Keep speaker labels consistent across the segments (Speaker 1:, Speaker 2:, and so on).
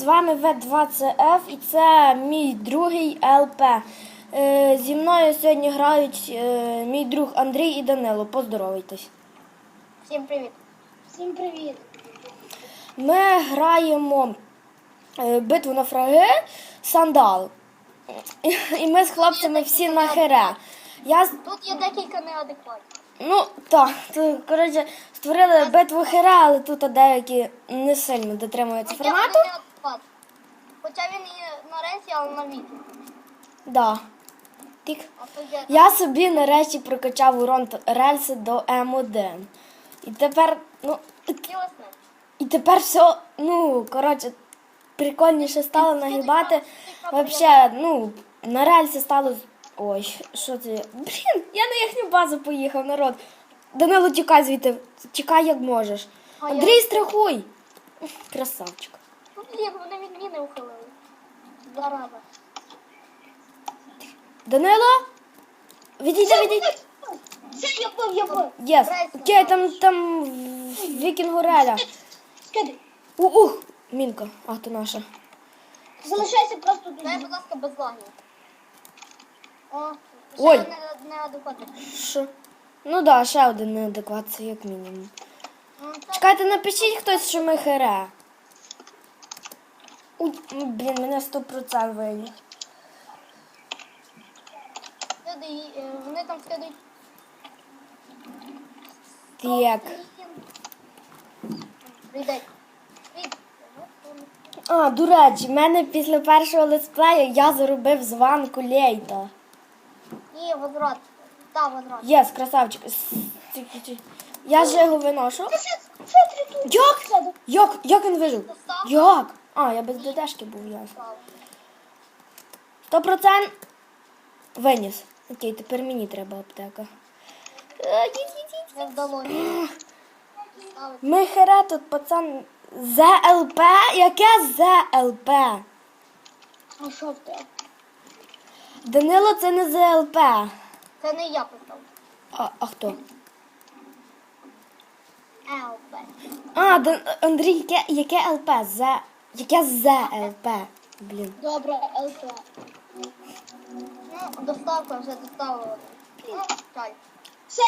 Speaker 1: з вами В2CF і це мій другий ЛП. Зі мною сьогодні грають мій друг Андрій і Данило. Поздоровайтесь.
Speaker 2: Всім привіт.
Speaker 3: Всім привіт.
Speaker 1: Ми граємо битву на фраги Сандал. І ми з хлопцями всі на хере.
Speaker 2: Тут є декілька неадекватів.
Speaker 1: Ну, так, коротше, створили битву хере, але тут деякі не сильно дотримуються формату.
Speaker 2: Хоча він і на рейсі, але на віті.
Speaker 1: Да. Тік. Я собі нарешті прокачав урон рельси до М1. І тепер, все, коротше, прикольніше стало нагибати. Взагалі, на рельси стало... Ой, що це? Блін, я на їхню базу поїхав, народ. Данило, тікай звідти, тікай як можеш. Андрій, страхуй. Красавчик.
Speaker 2: Блін, вони від міни ухилили. Зараза.
Speaker 1: Данило? Відійди.
Speaker 3: Все, я бив.
Speaker 1: Єс. Окей, там вікінгу реля.
Speaker 3: Скидай.
Speaker 1: Мінка. Ах, ти наша.
Speaker 3: Залишайся просто тут.
Speaker 2: Дай, будь ласка, без лагів.
Speaker 1: Ой.
Speaker 2: Ще неадекватний.
Speaker 1: Що? Ну да, ще один неадекват, це як мінімум. Чекайте, напишіть хтось, що ми хере. Блін, мене 100% вийдуть.
Speaker 2: Вони там скидують.
Speaker 1: Так.
Speaker 2: Прийдеть.
Speaker 1: До речі, в мене після першого летсплею я заробив званку Лейта.
Speaker 2: І возврат. Так, возврат.
Speaker 1: Єс, красавчик. Я ж його виношу. Як він вижив? Як? Я без ДДшки був, ясно. 100% виніс. Окей, тепер мені треба аптека.
Speaker 2: Не вдалося.
Speaker 1: Ми хере тут, пацан. ЗЛП? Яке ЗЛП?
Speaker 3: А що в тебе?
Speaker 1: Данило, це не ЗЛП.
Speaker 2: Це не я писав.
Speaker 1: А хто?
Speaker 2: ЛП.
Speaker 1: Андрій, яке ЛП? Яке ЗЛП? Блін.
Speaker 3: Добре, ЛП.
Speaker 2: Доставка вже доставила. Чай.
Speaker 3: Все,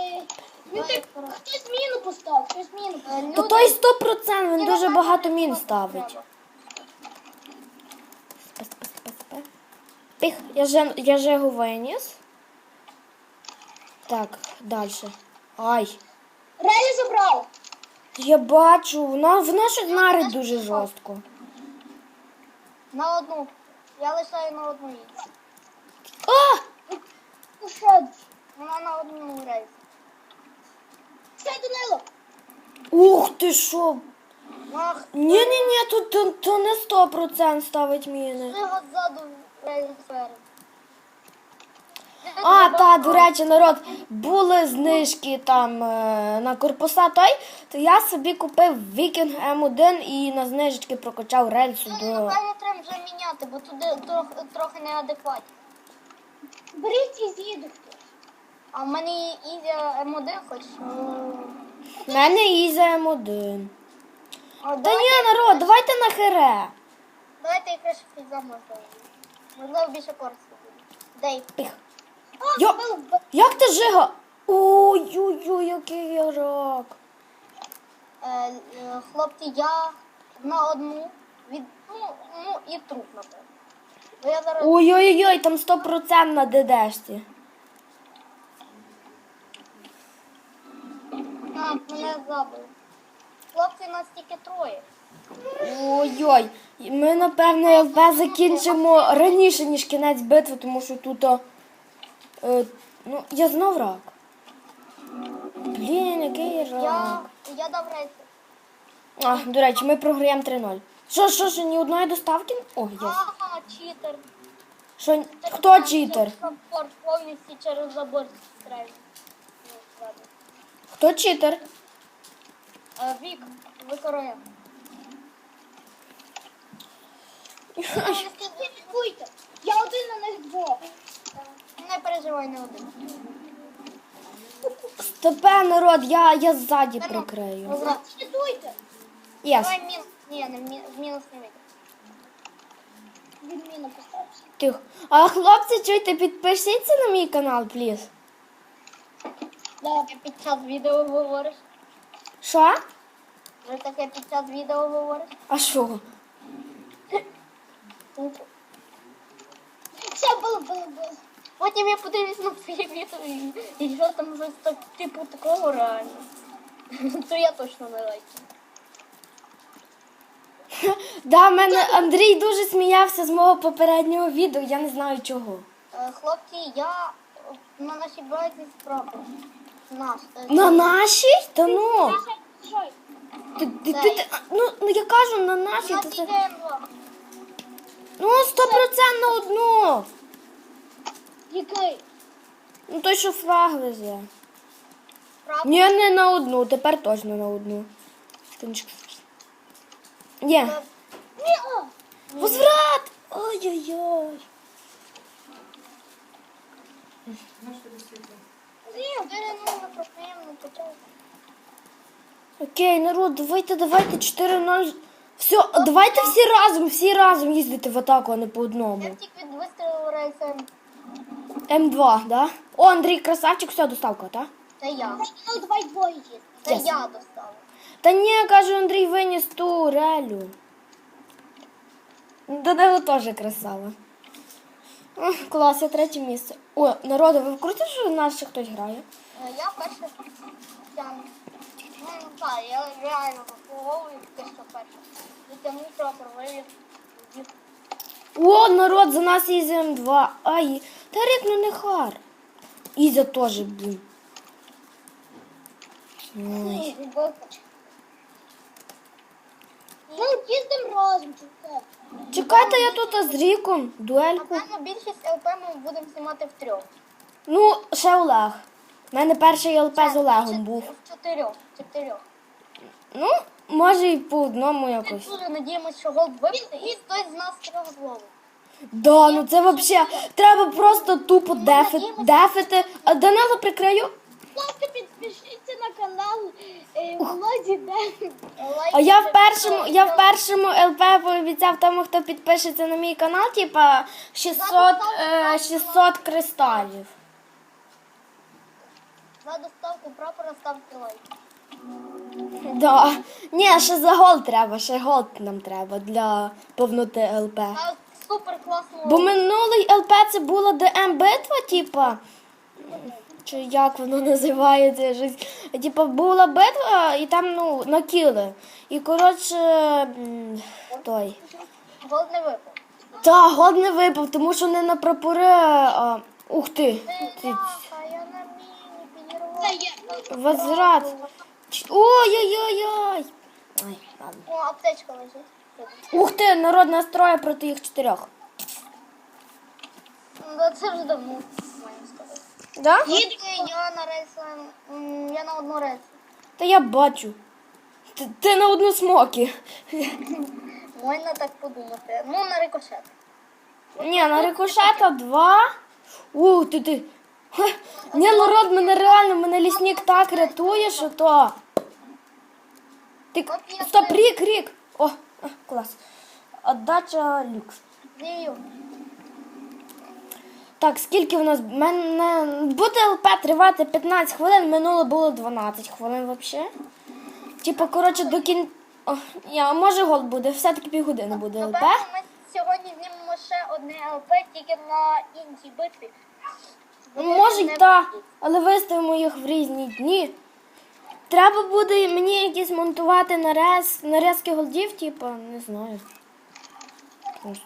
Speaker 3: хтось міну поставив,
Speaker 1: Та той 100%, він дуже багато мін ставить. Пих, я же його виніс. Так, далі. Ай.
Speaker 3: Релі забрав.
Speaker 1: Я бачу, вона щось нарить дуже жорстко.
Speaker 2: На одну. Я лишаю на одну її. Вона на одному рейсі.
Speaker 3: Все, Данило.
Speaker 1: Ух ти що.
Speaker 2: Ах,
Speaker 1: Ні, тут не 100% ставить міни.
Speaker 2: ти от ззаду рейс спереду.
Speaker 1: До речі, народ, були знижки там на корпуса то я собі купив Вікінг М1 і на знижечки прокачав рельсу до...
Speaker 2: Напевно, треба вже міняти, бо туди трохи неадекватні.
Speaker 3: Беріть і з'їду хтось.
Speaker 2: А в мене Ізі М1 хоч.
Speaker 1: В мене Іза М1. Та ні, народ, давайте на хере.
Speaker 2: Давайте я краще фіза можливо. Можливо, більше корисно буде. Дейв.
Speaker 1: Пих. Як ти жига? Ой-ой-ой, який я рак.
Speaker 2: Хлопці, я на одну від... і труп, напевно. Бо я зараз...
Speaker 1: Ой-ой-ой, там 100% на ДДшці.
Speaker 2: Мене забили. Хлопці, нас тільки троє.
Speaker 1: Ой-ой, ми, напевно, ЛП закінчимо раніше, ніж кінець битви, тому що тут... я знов рак. Блін, який я рак.
Speaker 2: Я дав рейси.
Speaker 1: До речі, ми програємо 3-0. Що, ні одної доставки? О, є.
Speaker 2: Читер.
Speaker 1: Хто читер?
Speaker 2: Порт повністю через забор стрельнув.
Speaker 1: Хто читер?
Speaker 2: Вік, викорує.
Speaker 3: Слідкуйте. Я один на них двох.
Speaker 2: Не переживай, не один.
Speaker 1: Стопе, народ, я ззаді прикрию.
Speaker 3: Слідкуйте.
Speaker 1: Єс.
Speaker 2: Давай мінус. Ні, в мінус не вийде.
Speaker 3: відміну поставився.
Speaker 1: Тихо. А хлопці, чуйте, підпишіться на мій канал, пліз.
Speaker 3: Да.
Speaker 2: Ти під час відео говориш?
Speaker 1: Що?
Speaker 2: Вже таке під час відео говориш?
Speaker 1: А що?
Speaker 3: Все, було.
Speaker 2: Потім я подивлюсь на твоє відео і що там щось так, типу такого реально. То я точно не лайкаю.
Speaker 1: Да, мене Андрій дуже сміявся з мого попереднього відео, я не знаю чого.
Speaker 2: Хлопці, я на нашій браті спробую. Наш.
Speaker 1: На нашій? Та ну.
Speaker 3: Що?
Speaker 1: Ну я кажу, на нашій.
Speaker 2: На
Speaker 1: То
Speaker 2: цій
Speaker 1: це...
Speaker 2: ДМ2.
Speaker 1: Ну, 100% на одну.
Speaker 3: Який?
Speaker 1: Ну той, що фраг везе.
Speaker 2: Правда?
Speaker 1: Ні, не на одну, тепер точно на одну. Є.
Speaker 3: Ні, о!
Speaker 1: Возврат! Ой-ой-ой.
Speaker 2: Ні, не проблемно, почав.
Speaker 1: Окей, народ, давайте 4-0. Все, давайте всі разом їздити в атаку, а не по одному.
Speaker 2: Я тільки від вистрілу рейсом.
Speaker 1: М2, да? О, Андрій, красавчик, все, доставка, так?
Speaker 2: Це я.
Speaker 3: Ну, давай двоє їздити.
Speaker 2: Це
Speaker 1: Yes.
Speaker 2: я достала.
Speaker 1: Та ні, каже, Андрій виніс ту релю. Данило теж красава. Клас, я третє місце. О, народу, ви в курсі, що в нас ще хтось грає?
Speaker 2: Я перше тягну. Ну, так, я реально заслуговую те, що перше. Затягну прапор, вивів.
Speaker 1: О, народ, за нас Ізя М2. Ай, та Рік, ну не хар. Ізя теж, блін. Ой.
Speaker 3: Ну, їздимо разом, чи це?
Speaker 1: Чекайте, я тут з Ріком, дуельку.
Speaker 2: Напевно, більшість ЛП ми будемо знімати втрьох.
Speaker 1: Ну, ще Олег. У мене перший ЛП з Олегом був.
Speaker 2: В чотирьох.
Speaker 1: Ну, може і по одному
Speaker 2: Ми
Speaker 1: якось.
Speaker 2: дуже надіємося, що голд вибити, і хтось з нас трьох зловить.
Speaker 1: Да, ну це взагалі, треба просто тупо дефити. А Данило прикрию.
Speaker 3: Будь ласка, підпишіться на канал Володі Ден.
Speaker 1: А я в першому ЛП пообіцяв тому, хто підпишеться на мій канал, типа 600 кристалів.
Speaker 2: За доставку прапора ставте лайк.
Speaker 1: Да. Ні, ще за голд треба, ще голд нам треба для повноти ЛП.
Speaker 2: А супер класно.
Speaker 1: Бо минулий ЛП це була ДМ-битва, типа. Чи як воно називається? Щось. Типа була битва і там, ну, накіли. І коротше, той.
Speaker 2: Голд не випав.
Speaker 1: Та, голд не випав, тому що не на прапори. Ух ти.
Speaker 2: Бляха, я на міні підірвала.
Speaker 3: Це є.
Speaker 1: Возврат. Ой-ой-ой-ой. Ай, ладно.
Speaker 2: О, аптечка лежить.
Speaker 1: Ух ти, народ настроє проти їх 4.
Speaker 2: Ну, це вже давно, можна сказати.
Speaker 1: Да?
Speaker 2: Я на рейсі, я на одну рейсі.
Speaker 1: Та я бачу. Ти на одну смокі.
Speaker 2: Можна так подумати. Ну, на рикошет.
Speaker 1: Ні, на рикошета 2. Ти. Ха. Ні, народ, мене лісник так рятує, що то. Ти, стоп, рік. О, клас. Отдача люкс.
Speaker 2: Дію.
Speaker 1: Так, скільки в нас? Буде ЛП тривати 15 хвилин, минуло було 12 хвилин взагалі. Типа, коротше, до кін... може гол буде, все-таки півгодини буде ЛП.
Speaker 2: Напевно, ми сьогодні знімемо ще одне ЛП, тільки на іншій битві.
Speaker 1: Може й так, але виставимо їх в різні дні. Треба буде мені якісь монтувати нарізки голдів, типа, не знаю. Просто.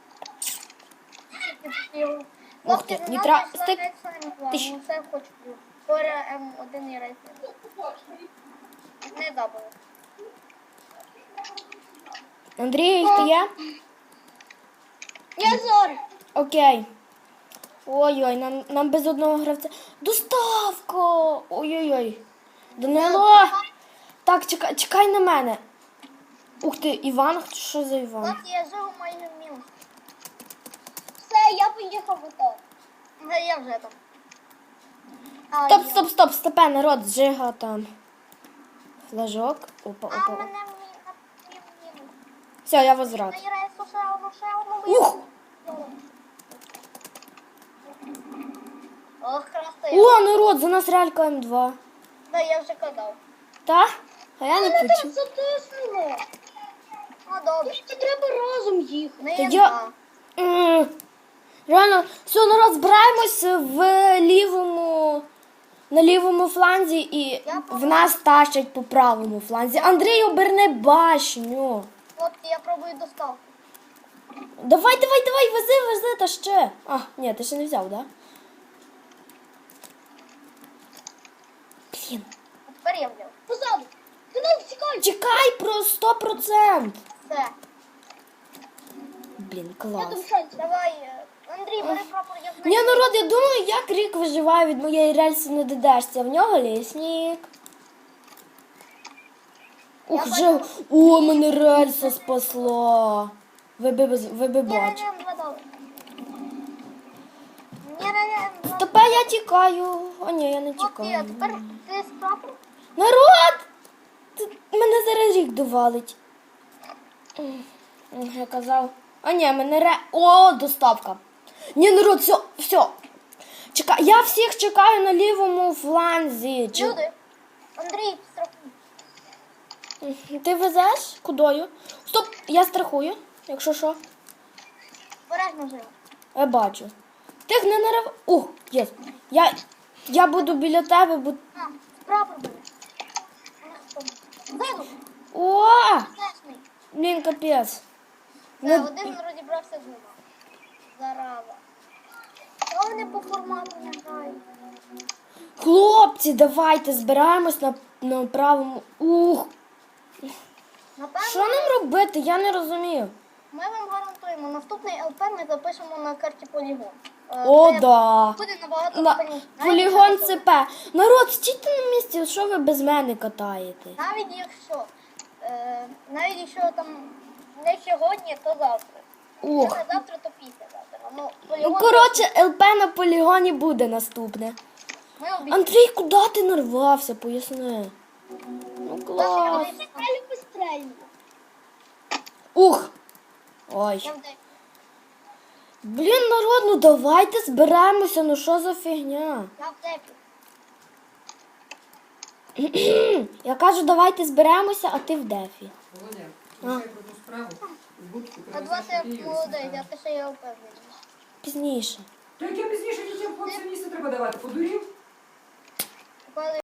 Speaker 1: Ух ти, стик. Тиш.
Speaker 2: Все хочу. Скоро М1 і рейс. Не забули.
Speaker 1: Андрій, ти є?
Speaker 3: Я Зори.
Speaker 1: Окей. Ой-ой, нам без одного гравця. Доставка! Ой-ой-ой. Данило! Так, чекай на мене. Ух ти, Іван, що за Іван?
Speaker 2: Хлопці, я живу майже в мінус.
Speaker 3: Все, я поїхав в АТО.
Speaker 2: Я вже там.
Speaker 1: Стоп, стопе, народ, зжига там. Флажок. Опа.
Speaker 2: А мене в мінус.
Speaker 1: Все, я возврат.
Speaker 2: На рейсу ще одну.
Speaker 1: Ух!
Speaker 2: Ох, красиво.
Speaker 1: О, народ, за нас реалька М2.
Speaker 2: Да, я вже казав.
Speaker 1: Та? А я не почув.
Speaker 3: Затиснуло.
Speaker 2: Ну, добре.
Speaker 3: Це треба разом їхати.
Speaker 2: Не
Speaker 1: Та
Speaker 2: я
Speaker 1: я-
Speaker 2: знаю.
Speaker 1: Реально, все, народ, збираємось на лівому фланзі і в нас тащать по правому фланзі. Андрій, оберни башню.
Speaker 2: Хлопці, я пробую доставку.
Speaker 1: Давай, вези, та ще. А, ні, ти ще не взяв, да? Блін.
Speaker 2: А тепер я взяв.
Speaker 3: Позаду. Ти нас тікай.
Speaker 1: Чекай про 100%.
Speaker 2: Все.
Speaker 1: Блін,
Speaker 3: Я
Speaker 1: клас.
Speaker 3: там шанс.
Speaker 2: Давай, Андрій, бери прапор, я знаю.
Speaker 1: Ні, народ, я думаю, як Рік виживає від моєї рельси на ДДшці. В нього лісник. Ух, вже... О, мене рельса спасла. Ви би бачили.
Speaker 2: Ні,
Speaker 1: Тепер я тікаю. О, ні, я не
Speaker 2: Хлопці, а
Speaker 1: тікаю.
Speaker 2: тепер ти з прапор?
Speaker 1: Народ! Мене зараз Рік довалить. Я казав. А ні, мене О, доставка. Ні, народ, все. Чекай, я всіх чекаю на лівому фланзі.
Speaker 2: Люди. Андрій, страхуй.
Speaker 1: Ти везеш? Кудою? Стоп, я страхую, якщо що.
Speaker 2: Бережно живо.
Speaker 1: Я бачу. Тих не нарив. Ух, є. Я буду біля тебе, бо.
Speaker 2: А, прапор бери. Ззаду.
Speaker 1: О!
Speaker 2: Знешний.
Speaker 1: Блін, капець.
Speaker 2: Все, один розібрався з двома. Зарава. Що вони по формату не грають?
Speaker 1: Хлопці, давайте збираємось на правому. Ух!
Speaker 2: Напевно,
Speaker 1: Що нам робити? Я не розумію.
Speaker 2: ми вам гарантуємо, наступний ЛП ми запишемо на карті полігон.
Speaker 1: О,
Speaker 2: Це
Speaker 1: да.
Speaker 2: Буде набагато
Speaker 1: На...
Speaker 2: складніше.
Speaker 1: Полігон ЦП. Народ, стійте на місці, що ви без мене катаєте?
Speaker 2: Навіть якщо там не сьогодні, то завтра.
Speaker 1: Ух.
Speaker 2: Якщо не завтра, то післязавтра. Ну,
Speaker 1: Ну,
Speaker 2: полігон
Speaker 1: коротше, ЛП на полігоні буде наступне.
Speaker 2: ми обіцяємо.
Speaker 1: Андрій, куди ти нарвався? Поясни. Ну, клас.
Speaker 3: Далі пострельно.
Speaker 1: Ух. Ой.
Speaker 2: Я в день.
Speaker 1: Блін, народ, ну давайте зберемося, ну що за фігня?
Speaker 2: Я в депі.
Speaker 1: Я кажу, давайте зберемося, а ти в дефі.
Speaker 4: Володя, лишай про ту справу. В будку
Speaker 2: А два ти молодий, а ти ще є впевнений.
Speaker 1: Пізніше.
Speaker 4: То яке пізніше дітям хлопцям місце треба давати? Подурів?
Speaker 2: Коли